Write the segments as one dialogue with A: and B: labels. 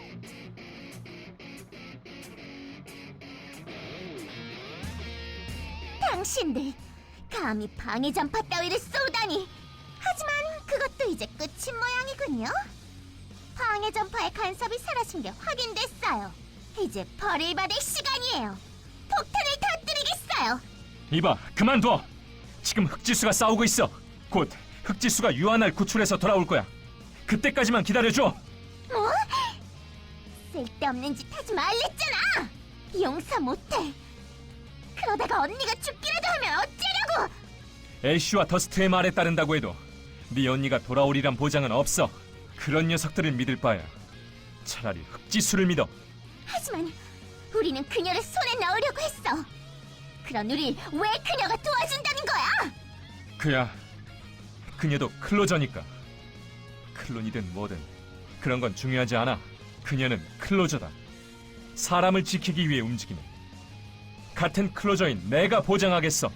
A: 당신들 감히 방해 전파 따위를 쏘다니. 하지만 그것도 이제 끝인 모양이군요. 방해 전파의 간섭이 사라진 게 확인됐어요. 이제 벌을 받을 시간이에요. 폭탄을 터뜨리겠어요.
B: 이봐, 그만둬. 지금 흑지수가 싸우고 있어. 곧 흑지수가 유한을 구출해서 돌아올 거야. 그때까지만 기다려줘.
A: 뭐? 쓸데없는 짓 하지 말랬잖아. 용서 못해. 그러다가 언니가 죽기라도 하면 어쩌려고.
B: 애쉬와 더스트의 말에 따른다고 해도 네 언니가 돌아오리란 보장은 없어. 그런 녀석들을 믿을 바야 차라리 흑지수를 믿어.
A: 하지만 우리는 그녀를 손에 넣으려고 했어. 그런 우릴 왜 그녀가 도와준다는 거야?
B: 그야 그녀도 클로저니까. 클론이든 뭐든 그런 건 중요하지 않아. 그녀는 클로저다. 사람을 지키기 위해 움직이는 같은 클로저인 내가 보장하겠어.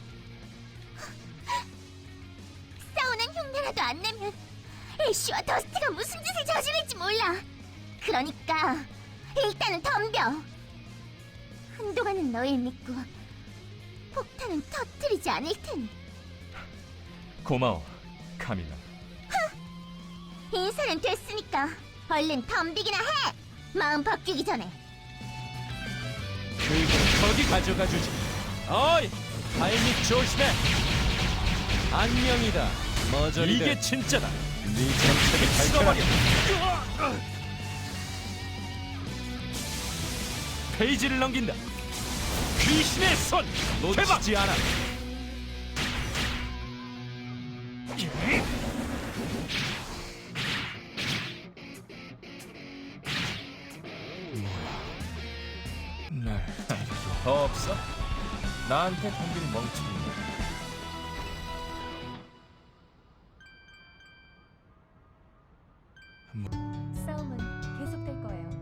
A: 싸우는 흉내라도 안 내면 애쉬와 더스트가 무슨 짓을 저지를지 몰라. 그러니까 일단은 덤벼. 한동안은 너를 믿고 폭탄은 터뜨리지 않을 테니.
B: 고마워, 카밀라.
A: 인사는 됐으니까 얼른 덤비기나 해. 마음 바뀌기 전에.
C: 그걸 거기 가져가 주지. 어이, 타이밍 조심해. 안녕이다. 머저리들. 이게 진짜다. 네 정체를 밝혀라. 페이지를 넘긴다. 귀신의 손 놓치지 않아. 날 더 없어? 나한테 덤빌 멍청이.